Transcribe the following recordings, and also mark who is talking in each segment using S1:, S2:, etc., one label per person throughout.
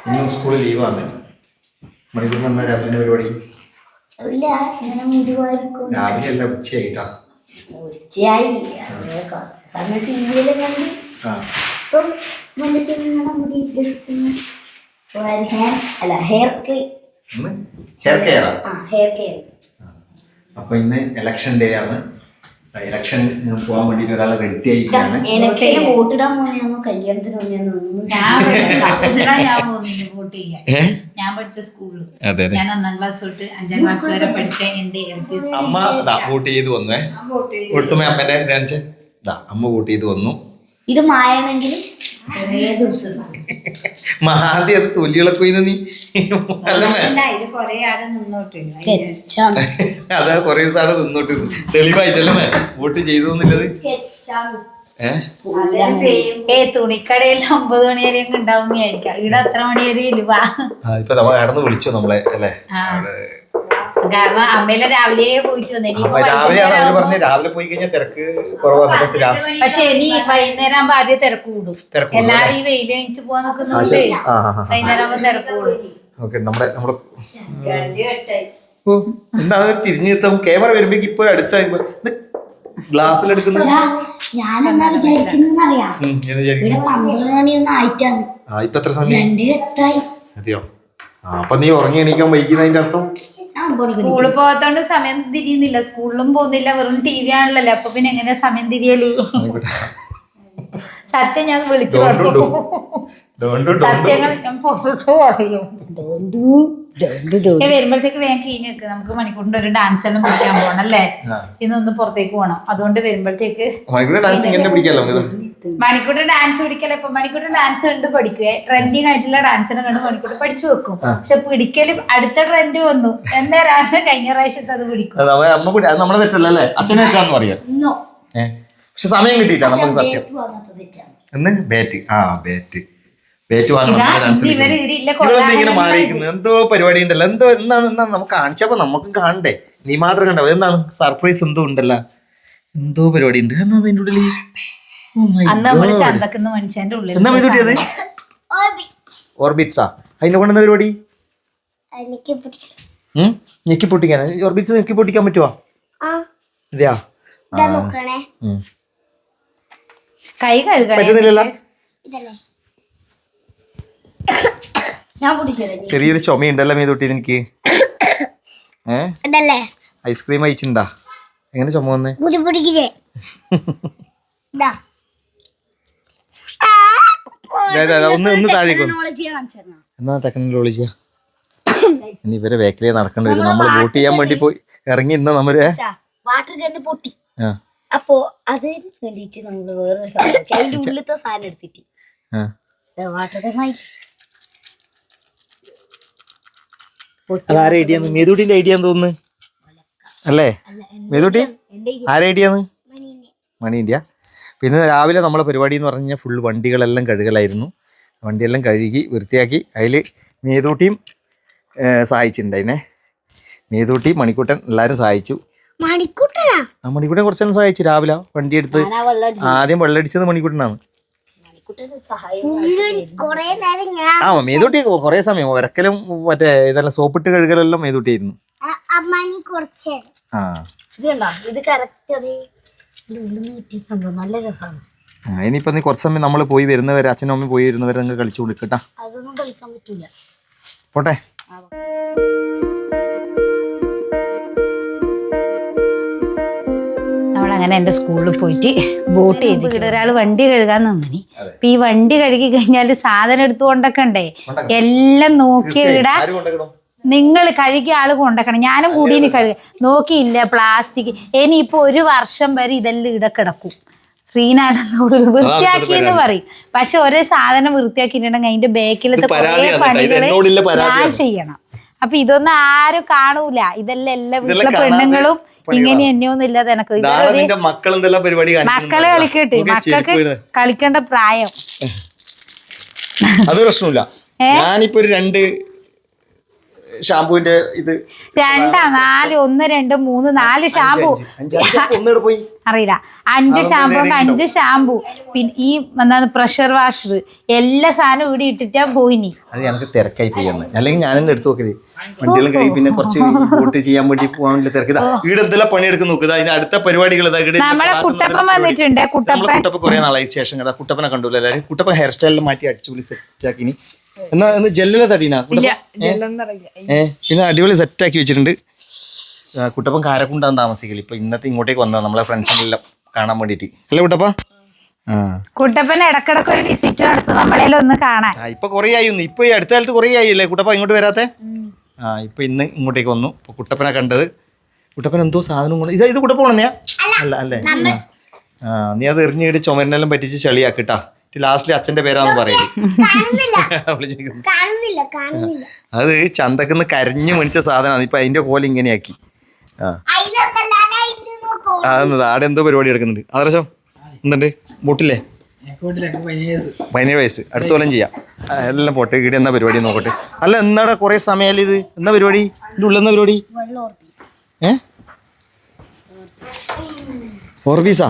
S1: ഇന്നും സ്കൂളിൽ ലീവാണ്. മണിക്കൂർ വന്ന രാവിലെ പരിപാടി രാവിലെ അല്ല ഉച്ചയായിട്ടാ.
S2: ഉച്ചയായി സമയം ടിവിയിലും കണ്ട് ഇപ്പം മുടി ജസ്റ്റ് ഹെയർ കെയർ.
S1: അപ്പൊ ഇന്ന് ഇലക്ഷൻ ഡേ ആണ്. ഇലക്ഷൻ പോകാൻ വേണ്ടിട്ട് ഒരാളെ റെഡി ആയിരിക്കുകയാണ്.
S2: വോട്ടിടാൻ പോന്നെയാണോ കല്യാണത്തിന് പോന്നെയാണോ?
S3: ഞാൻ പഠിച്ച സ്കൂളിൽ ഞാൻ 1ാം ക്ലാസ് തൊട്ട് 5ാം ക്ലാസ് വരെ പഠിച്ച എന്റെ
S1: അമ്മ വോട്ട് ചെയ്ത് വന്നു. ഒട്ടുമേ അമ്മേന്റെ കാണിച്ചേ. അമ്മ വോട്ട് ചെയ്ത് വന്നു.
S2: ഇത് മായണെങ്കിൽ
S1: ആദ്യം അത് തൊലികളൊക്കെ നീ അതാ കൊറേ ദിവസം അവിടെ നിന്നോട്ട് തെളിവായിട്ടല്ലേ വോട്ട് ചെയ്തു എന്നുള്ളത്.
S3: തുണിക്കടയിൽ 9 മണി വരെ ഉണ്ടാവുന്നതായിരിക്കാം. ഇവിടെ അത്ര മണി വരെ ഇല്ല.
S1: ഇപ്പൊ നമ്മ കടന്ന് വിളിച്ചു നമ്മളെ അല്ലേ.
S3: കാരണം അമ്മയിലെ രാവിലെ പോയിട്ട്
S1: വന്നേ. രാവിലെ പോയി കഴിഞ്ഞാൽ തിരക്ക് കുറവാണ്.
S3: പക്ഷെ ഇനി വൈകുന്നേരം ആകുമ്പോ ആദ്യം തിരക്ക് കൂടും. എല്ലാരും ഈ വെയിൽ കഴിച്ച് പോവാൻ നിൽക്കുന്നുണ്ട്. വൈകുന്നേരം ആകുമ്പോ തിരക്ക് കൂടും.
S1: എന്താ തിരിഞ്ഞു നിർത്താം. ക്യാമറ വരുമ്പോ ഇപ്പൊ അടുത്ത ഗ്ലാസ്സിലെടുക്കുന്നത്
S2: ഞാനെന്താ വിചാരിക്കുന്നറിയാം. ഇവിടെ 12 മണിയൊന്നും ആയിട്ടാണ്.
S1: ഇപ്പൊ എത്ര സമയം?
S2: 2:08
S1: അതെയോ? അപ്പൊ നീ ഉറങ്ങി എണീക്കാൻ വൈകുന്നതിന്റെ അർത്ഥം
S3: സ്കൂളിൽ പോകാത്തോണ്ട് സമയം തിരിയുന്നില്ല. സ്കൂളിലും പോകുന്നില്ല, വെറും ടി വി ആണല്ലോ. അപ്പൊ പിന്നെ എങ്ങനെയാ സമയം തിരിയല്? സത്യം ഞാൻ വിളിച്ചു പറഞ്ഞു. സത്യങ്ങൾ ഞാൻ പുറത്തു പറയും. വരുമ്പോഴത്തേക്ക് വേഗം കഴിഞ്ഞ് വെക്ക്. നമുക്ക് മണിക്കൂറിന്റെ ഒരു ഡാൻസ് എല്ലാം പഠിക്കാൻ പോകണം അല്ലേ. ഇന്നൊന്ന് പുറത്തേക്ക് പോകണം. അതുകൊണ്ട് വരുമ്പോഴത്തേക്ക് മണിക്കൂറിന്റെ ഡാൻസ് പിടിക്കല. ഇപ്പൊ മണിക്കൂറിന്റെ ഡാൻസ് കണ്ട് പഠിക്കുക. ട്രെൻഡിങ് ആയിട്ടുള്ള ഡാൻസിനെ കണ്ട് മണിക്കൂർ പഠിച്ചു വെക്കും. പക്ഷെ പിടിക്കല് അടുത്ത ട്രെൻഡ് വന്നു എന്നേരാണ് കഴിഞ്ഞ പ്രാവശ്യത്തെ അത് പിടിക്കും.
S1: നമ്മളെ തെറ്റല്ലേ, അച്ഛനെ തെറ്റാന്ന് പറയാം. പക്ഷെ സമയം കിട്ടിയിട്ടാ നമുക്ക് സത്യം. ബാറ്റ് ഇങ്ങനെ മാറിയിരിക്കുന്നത് എന്തോ പരിപാടി ഉണ്ടല്ലോ. എന്തോ എന്നാണ് നമുക്ക് കാണിച്ചപ്പോ നമുക്കും കാണണ്ടേ. നീ മാത്രം കണ്ടോ. എന്താണ് സർപ്രൈസ് എന്തോ ഉണ്ടല്ലോ. എന്തോ പരിപാടി ഉണ്ട്. എന്നാ അതിന്റെ ഉള്ളിൽ എന്നാ മീതുട്ടിയത്? ഓർബിറ്റ്സാ. അതിന്റെ കൊണ്ടെന്താ പരിപാടി? ഞെക്കി പൊട്ടിക്കാനാ? ഓർബിറ്റ്സ് ഞെക്കി പൊട്ടിക്കാൻ പറ്റുവാ? ഇതെയാ?
S3: കൈ
S1: പറ്റുന്നില്ലല്ലോ. ചെറിയൊരു ചുമയുണ്ടല്ലോ മീതുട്ടി എനിക്ക്. ഐസ്ക്രീം അയച്ചിണ്ടാ? എങ്ങനെ ചുമ വന്നേ? ഒന്ന് താഴേക്ക് എന്നാ ടെക്നോളജിയാ. ഇനി ഇവരെ വേക്കിലേ നടക്കേണ്ടി വരും. നമ്മൾ വോട്ട് ചെയ്യാൻ വേണ്ടി പോയി ഇറങ്ങി ഇന്ന നമ്മള്
S2: പൊട്ടി. അപ്പോ അതിന് വേണ്ടിട്ട് നമ്മള് വേറെ ഉള്ളിലത്തെ സാധനം എടുത്തിട്ട്
S1: അതാരെ ഐഡിയാന്ന്? മേതൂട്ടിന്റെ ഐഡിയ തോന്നുന്നു അല്ലേ? മേതൂട്ടി ആരെ ഐഡിയാന്ന്? മണീൻ്റെ. പിന്നെ രാവിലെ നമ്മളെ പരിപാടി എന്ന് പറഞ്ഞാൽ ഫുൾ വണ്ടികളെല്ലാം കഴുകലായിരുന്നു. വണ്ടിയെല്ലാം കഴുകി വൃത്തിയാക്കി. അതിൽ മേതൂട്ടിയും സഹായിച്ചിട്ടുണ്ടായിനെ. മേതൂട്ടി മണിക്കൂട്ടൻ എല്ലാവരും സഹായിച്ചു. മണിക്കൂട്ടൻ കുറച്ചെല്ലാം സഹായിച്ചു. രാവിലെ വണ്ടി എടുത്ത് ആദ്യം വെള്ളമടിച്ചത് മണിക്കൂട്ടനാണ്. മേതൂട്ടി കൊറേ സമയം വരക്കലും മറ്റേ ഇതെല്ലാം സോപ്പിട്ട് കഴുകലെല്ലാം മേതൂട്ടിയായിരുന്നു. ഇനിയിപ്പോ നീ കുറച്ച് സമയം നമ്മൾ പോയി വരുന്നവരെ, അച്ഛനും അമ്മയും പോയി വരുന്നവരെ നിങ്ങൾ കളിച്ചു കൊടുക്കട്ടാ. പോട്ടെ.
S3: അങ്ങനെ എൻ്റെ സ്കൂളിൽ പോയിട്ട് വോട്ട് ചെയ്ത് ഇവിടെ ഒരാൾ വണ്ടി കഴുകാൻ നിന്നിനി. അപ്പൊ ഈ വണ്ടി കഴുകി കഴിഞ്ഞാല് സാധനം എടുത്തു കൊണ്ടൊക്കണ്ടേ. എല്ലാം നോക്കി ഇടാ. നിങ്ങൾ കഴുകിയ ആള് കൊണ്ടക്കണം. ഞാനും കൂടി ഇനി നോക്കിയില്ല. പ്ലാസ്റ്റിക് ഇനിയിപ്പോ 1 വർഷം വരെ ഇതെല്ലാം ഇട കിടക്കും. ശ്രീനാഥനോട് വൃത്തിയാക്കിയെന്ന് പറയും. പക്ഷെ ഒരേ സാധനം വൃത്തിയാക്കിയിട്ടുണ്ടെങ്കിൽ അതിന്റെ ബാക്കിലത്തെ കുറേ പണികള് ഞാൻ ചെയ്യണം. അപ്പൊ ഇതൊന്നും ആരും കാണൂല. ഇതെല്ലാം എല്ലാ വീട്ടിലെ പെണ്ണുങ്ങളും ഇങ്ങനെ എന്നെയൊന്നും ഇല്ലാതെ എനക്ക് മക്കളെ കളിക്കട്ടെ. മക്കൾക്ക് കളിക്കേണ്ട പ്രായം.
S1: അത് പ്രശ്നമില്ല. ഞാനിപ്പോ ഒരു 2 ഷാമ്പൂവിന്റെ ഇത്
S3: 2 4 1 2 3 4 ഷാമ്പു
S1: ഒന്നിടെ പോയി
S3: അറിയില്ല 5 ഷാമ്പു 5 ഷാമ്പു പിന്നെ ഈ എന്താണ് പ്രഷർ വാഷർ എല്ലാ സാധനവും ഇവിടെ ഇട്ടിട്ടാ പോയിനി.
S1: അത് ഞങ്ങൾക്ക് തിരക്കായി പോയി അന്ന്. അല്ലെങ്കിൽ ഞാൻ എന്നെ എടുത്ത് നോക്കല് വണ്ടികളും കഴിയും പിന്നെ കുറച്ച് വോട്ട് ചെയ്യാൻ വേണ്ടി പോകാൻ വേണ്ടി തിരക്കിതാ ഇവിടെ എന്തെല്ലാം പണിയെടുക്കും നോക്കുക. അതിന് അടുത്ത പരിപാടികൾ
S3: നമ്മളെ കുട്ടപ്പൻ വന്നിട്ടുണ്ട്.
S1: കുട്ടപ്പ കുറെ നാളായി ശേഷം കേട്ടാ കുട്ടപ്പനെ കണ്ടു എല്ലാവരും. കുട്ടപ്പൻ ഹെയർ സ്റ്റൈലിൽ മാറ്റി അടിച്ചുപൊളി സെറ്റാക്കി. ഇനി എന്നാ ജെല്ലിലെ തടീനാ പിന്നെ അടിപൊളി സെറ്റാക്കി വെച്ചിട്ടുണ്ട്. കുട്ടപ്പൻ കാരക്കുണ്ടാകും താമസിക്കല്. ഇപ്പൊ ഇന്നത്തെ ഇങ്ങോട്ടേക്ക് വന്നതാ നമ്മളെ ഫ്രണ്ട്സിനെല്ലാം കാണാൻ വേണ്ടിട്ട് അല്ലേ കുട്ടപ്പ?
S3: കുട്ടപ്പൻ ഇടക്കിടക്ക് ഒരു വിസിറ്റ് നടത്തും നമ്മളെല്ലാം ഒന്ന് കാണാൻ.
S1: ഇപ്പൊ കൊറേ ആയി. ഇപ്പൊ ഈ അടുത്ത കാലത്ത് കൊറേ ആയില്ലേ കുട്ടപ്പ ഇങ്ങോട്ട് വരാത്തെ? ഇപ്പൊ ഇന്ന് ഇങ്ങോട്ടേക്ക് വന്നു. ഇപ്പൊ കുട്ടപ്പനെ കണ്ടത്. കുട്ടപ്പൻ എന്തോ സാധനം കൊണ്ട് ഇത് കുട്ടപ്പ പോണെന്നെയാ? അല്ല അല്ലേ? നീ അത് എറിഞ്ഞിട്ട് ചുമരിനെല്ലാം പറ്റിച്ച് ചളിയാക്കിട്ടാ. ലാസ്റ്റില് അച്ഛന്റെ പേരാന്ന് പറയല്. അത് ചന്തക്കുന്ന് കരഞ്ഞു മേടിച്ച സാധനമാണ്. ഇപ്പൊ അതിന്റെ കോല ഇങ്ങനെയാക്കി. അതെന്നത് ആടെ എന്തോ പരിപാടി എടുക്കുന്നുണ്ട്. അതർശം എന്തുണ്ട് ബോട്ടില്ലേ? 17 വയസ്സ്. അടുത്ത കൊല്ലം ചെയ്യാം. എല്ലാം പോട്ടെ. ഇവിടെ എന്നാ പരിപാടി നോക്കട്ടെ. അല്ല എന്നാടാ കൊറേ സമയമല്ലേ ഇത്? എന്നാ പരിപാടി? ഇതിന്റെ ഉള്ളിൽ എന്നാ പരിപാടി? ഓർബീസാ?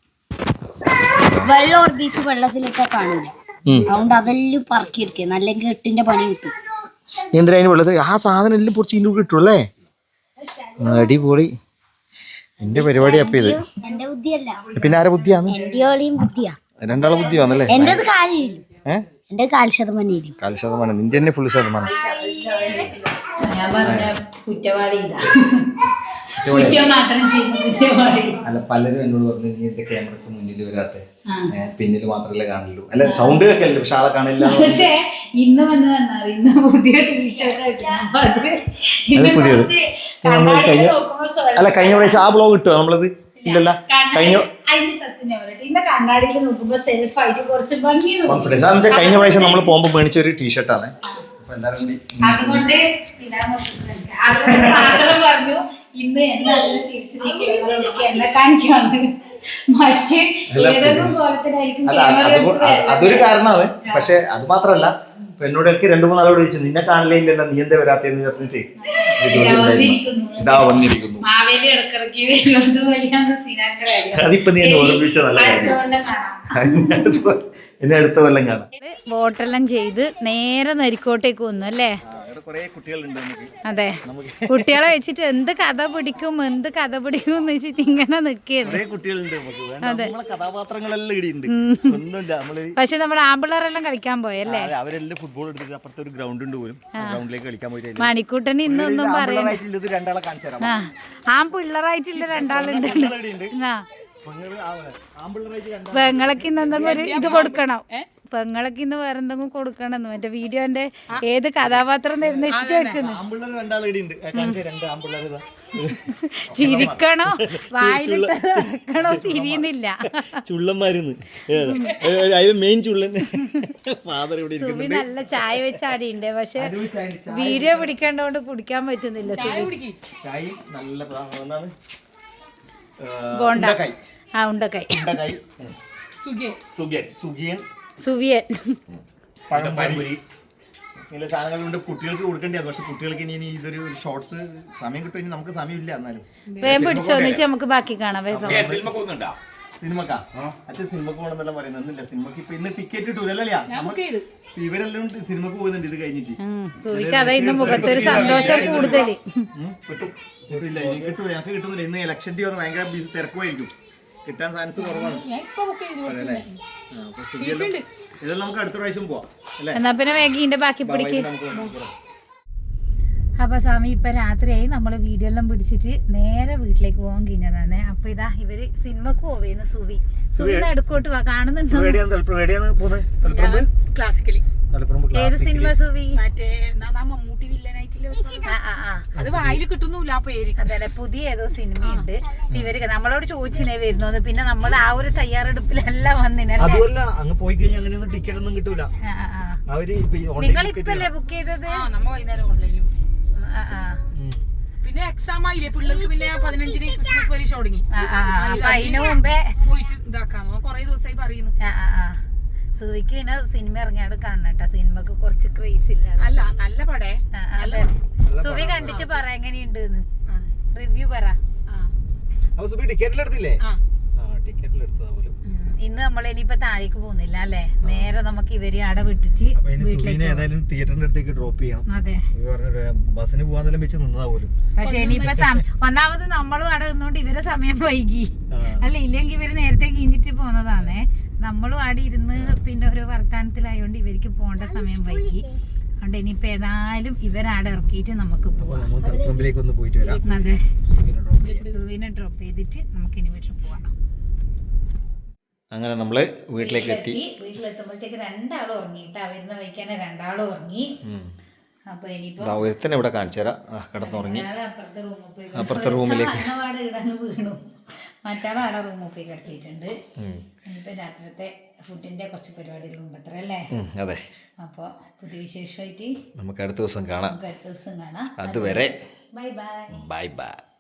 S2: വെള്ളത്തിലിട്ടാ കാണൂല. അതുകൊണ്ട് അതെല്ലാം പറക്കിയെടുക്കുക. അല്ലെങ്കിൽ 8ന്റെ പണി കിട്ടും.
S1: എന്തിനാ അതിന് വെള്ളത്തിൽ ആ സാധനം എല്ലാം പൊറിച്ച് ഇതിൻ്റെ കിട്ടും അല്ലേ? അടിപൊളി. എന്റെ പരിപാടി അപ്പൊ ഇത്
S2: എന്റെ ബുദ്ധിയല്ല.
S1: പിന്നെ ആരെ ബുദ്ധിയാണ്? രണ്ടാളെ ബുദ്ധി വന്നല്ലേ?
S2: എന്റെ കാൽ ശതമാനം.
S1: നിന്റെ തന്നെ ഫുൾ ശതമാനം. അല്ല പലരും എന്നോട് പറഞ്ഞു നീ എന്താ ക്യാമറക്ക് മുന്നിൽ വരാത്തെ, പിന്നിൽ മാത്രമല്ലേ കാണുള്ളൂ. അല്ല സൗണ്ട് കേൾക്കല്ലേ പക്ഷെ ആളെ കാണില്ല.
S3: പക്ഷേ ഇന്ന് ഇന്ന് പുതിയ ടീഷർട്ട്
S1: അല്ല കഴിഞ്ഞ പ്രാവശ്യം ആ ബ്ലോഗ് കിട്ടുമോ നമ്മളത്? ഇല്ലല്ല കഴിഞ്ഞ കഴിഞ്ഞ പ്രാവശ്യം നമ്മൾ പോകുമ്പോൾ മേടിച്ച ഒരു ടീഷർട്ടാണ്.
S3: അതുകൊണ്ട് മാത്രം പറഞ്ഞു ഇന്ന് എന്നെ കാണിക്കാന്ന്. മറ്റേ ഏതൊക്കെ കോലത്തിലായിരിക്കും
S1: അതൊരു കാരണമാണ്. പക്ഷെ അത് മാത്രല്ല ഇപ്പൊ എന്നോടൊക്കെ 2-3 ആളോട് ചോദിച്ചു നിന്നെ കാണില്ലേ ഇല്ലല്ലോ നീ എന്താ വരാത്തേന്ന് വിചാരിച്ചിട്ട് ഇതാ വന്നിരിക്കുന്നു. അതിപ്പോ നീ എന്നെ ഓർമ്മിച്ച നല്ല കാര്യം. എന്നെ അടുത്ത കൊല്ലം കാണാം.
S3: വോട്ടെല്ലാം ചെയ്ത് നേരെ നരിക്കോട്ടേക്ക് വന്നു അല്ലേ? അതെ കുട്ടികളെ വെച്ചിട്ട് എന്ത് കഥ പിടിക്കും എന്ന് വെച്ചിട്ട് ഇങ്ങനെ നിൽക്കുന്നു. അതെ പക്ഷെ നമ്മുടെ ആമ്പിള്ളേരെല്ലാം കളിക്കാൻ പോയല്ലേ?
S1: അവരെല്ലാം ഫുട്ബോൾ എടുത്തിട്ട് അപ്പുറത്തെ ഒരു ഗ്രൗണ്ട് ഉണ്ട് പോലും. ഗ്രൗണ്ടിലേക്ക് കളിക്കാൻ പോയിട്ട്
S3: മണിക്കൂട്ടന് ഇന്നൊന്നും പറയുന്നത് ആമ്പിള്ളറായിട്ടില്ല 2 ആളുണ്ട്. പെങ്ങളൊക്കെ ഇന്ന് എന്തെങ്കിലും ഒരു ഇത് കൊടുക്കണം. പെങ്ങളൊക്കെ ഇന്ന് വേറെ എന്തെങ്കിലും കൊടുക്കണം. മറ്റേ വീഡിയോന്റെ ഏത് കഥാപാത്രം തരുന്ന വെച്ചിട്ട് വെക്കുന്നു. ചിരിക്കണോ വായിലിട്ട് വെക്കണോ തിരിയുന്നില്ല. സുബി നല്ല ചായ വെച്ചാടിയുണ്ട്. പക്ഷെ വീഡിയോ പിടിക്കേണ്ടോണ്ട് കുടിക്കാൻ പറ്റുന്നില്ല. ബോണ്ട ഉണ്ടക്കായി സുവിയൻ
S1: ഇങ്ങനെ സാധനങ്ങളുണ്ട് കുട്ടികൾക്ക് കൊടുക്കേണ്ടത്. പക്ഷെ കുട്ടികൾക്ക് ഇനി ഇതൊരു ഷോർട്സ് സമയം കിട്ടും. ഇനി നമുക്ക് സമയമില്ല. എന്നാലും
S3: വേഗം പിടിച്ചോന്നിച്ച് നമുക്ക് ബാക്കി കാണാം. വേഗം
S1: സിനിമക്കാ അച്ഛൻ സിനിമക്ക് പോകണമെന്നെല്ലാം പറയുന്നില്ല. സിനിമക്ക് ഇപ്പൊ ഇന്ന് ടിക്കറ്റ് കിട്ടൂലല്ലേ? നമുക്ക് ഇവരെല്ലാം സിനിമക്ക് പോകുന്നുണ്ട് ഇത് കഴിഞ്ഞിട്ട്.
S3: സുവിക്ക് അതെ ഇന്ന് മുഖത്തൊരു സന്തോഷം കൂടുതൽ
S1: കിട്ടില്ല. ഇനി കിട്ടൂല. ഞങ്ങൾക്ക് കിട്ടുന്നില്ല. ഇന്ന് ഇലക്ഷൻ ഡേ ഭയങ്കര തിരക്കുമായിരിക്കും. കിട്ടാൻ ചാൻസ് കുറവാണ്. ഇതെല്ലാം നമുക്ക് അടുത്ത പ്രാവശ്യം പോവാം.
S3: എന്നാ പിന്നെ വേഗം ബാക്കി പിടിക്ക്. അപ്പൊ സ്വാമി ഇപ്പൊ രാത്രിയായി. നമ്മള് വീഡിയോ എല്ലാം പിടിച്ചിട്ട് നേരെ വീട്ടിലേക്ക് പോകാൻ കഴിഞ്ഞതാണ്. അപ്പൊ ഇതാ ഇവര് സിനിമക്ക് പോവേന്ന്. സുവിന്ന് അടുക്കോട്ട് കാണുന്നുണ്ടോ?
S4: ക്ലാസിക്കലി
S3: ഏത് സിനിമ സുവി?
S4: മമ്മൂട്ടി വില്ലനായിട്ടില്ല. അത് വായിൽ കിട്ടുന്നില്ല ആ പേര്.
S3: അതെ പുതിയ ഏതോ സിനിമയുണ്ട്. ഇവര് നമ്മളോട് ചോദിച്ചിനെ വരുന്നു. പിന്നെ നമ്മൾ ആ ഒരു തയ്യാറെടുപ്പിലെല്ലാം വന്നിനല്ലേ. നിങ്ങൾ ഇപ്പല്ലേ ബുക്ക് ചെയ്തത്?
S4: നമ്മ വൈകുന്നേരം ഓൺലൈനിൽ. പിന്നെ എക്സാം ആയില്ലേ പിള്ളേർക്ക്. പിന്നെ 15-ന് ക്രിസ്മസ് പരീക്ഷ തുടങ്ങി.
S3: അതിനു മുമ്പേ
S4: പോയിട്ട് ഇതാക്കാന്നോ കൊറേ ദിവസമായി പറയുന്നു.
S3: സുവിക്ക് പിന്നെ സിനിമ ഇറങ്ങിയാട് കാണണം കേട്ടോ. സിനിമക്ക് കുറച്ച് ക്രേസ് ഇല്ല.
S4: അല്ല നല്ല പടേ.
S3: സുബി കണ്ടിട്ട് പറ എങ്ങനെയുണ്ട് റിവ്യൂ പറ.
S1: അപ്പൊ സുബി ടിക്കറ്റിലെടുത്തില്ലേ? ടിക്കറ്റിലെടുത്തതാ പോലും.
S3: ഇന്ന് നമ്മൾ ഇനിയിപ്പോ താഴേക്ക് പോകുന്നില്ല അല്ലേ, നേരെ നമുക്ക് ഇവര് അവിടെ വിട്ടിട്ട്
S1: ഏതായാലും തിയേറ്ററിന്റെ അടുത്തേക്ക് ഡ്രോപ്പ് ചെയ്യണം.
S3: അതെ,
S1: ബസ്സിന് പോകാൻ വെച്ച് നിന്നതാ പോലും.
S3: പക്ഷെ ഇനിയിപ്പോ ഒന്നാമത് നമ്മളും അവിടെ നിന്നോണ്ട് ഇവരെ സമയം വൈകി അല്ല, ഇല്ലെങ്കിൽ ഇവര് നേരത്തെ കിഞ്ഞിട്ട് പോന്നതാണേ. നമ്മളും അവിടെ ഇരുന്ന് പിന്നെ ഒരു വർത്താനത്തിലായോണ്ട് ഇവർക്ക് പോകേണ്ട സമയം വൈകി. അതുകൊണ്ട് ഇനിയിപ്പോ ഏതായാലും ഇവരാടെ ഇറക്കിയിട്ട് നമുക്ക് പോവാം. അതെ, സുവിനെ ഡ്രോപ്പ് ചെയ്തിട്ട് നമുക്ക് ഇനി വീട്ടിൽ പോവാം.
S1: അങ്ങനെ നമ്മള് വീട്ടിലേക്ക് എത്തി.
S3: വീട്ടിലെത്തുമ്പോഴത്തേക്ക് രണ്ടാളും ഉറങ്ങിട്ടാ, വരുന്ന വൈകാനെ രണ്ടാളും ഉറങ്ങി. അപ്പൊ ഇനിയിപ്പോ
S1: ഒരുത്തന്നെ ഇവിടെ കാണിച്ചു തരാം, കിടന്നുറങ്ങി.
S3: അപ്പുറത്തെ റൂമിലേക്ക് ഇടങ്ങ് വീണു, മറ്റാളാടെ റൂമിൽ പോയി കിടത്തിയിട്ടുണ്ട്. ഇനിയിപ്പോ രാത്രിത്തെ ഫുഡിന്റെ കുറച്ച് പരിപാടികളുണ്ട് അത്ര അല്ലേ?
S1: അതെ.
S3: അപ്പൊ പുതിയ വിശേഷമായിട്ട്
S1: നമുക്ക് അടുത്ത ദിവസം കാണാം.
S3: അതുവരെ
S1: അതുവരെ
S3: ബൈ ബൈ.
S1: Bye bye.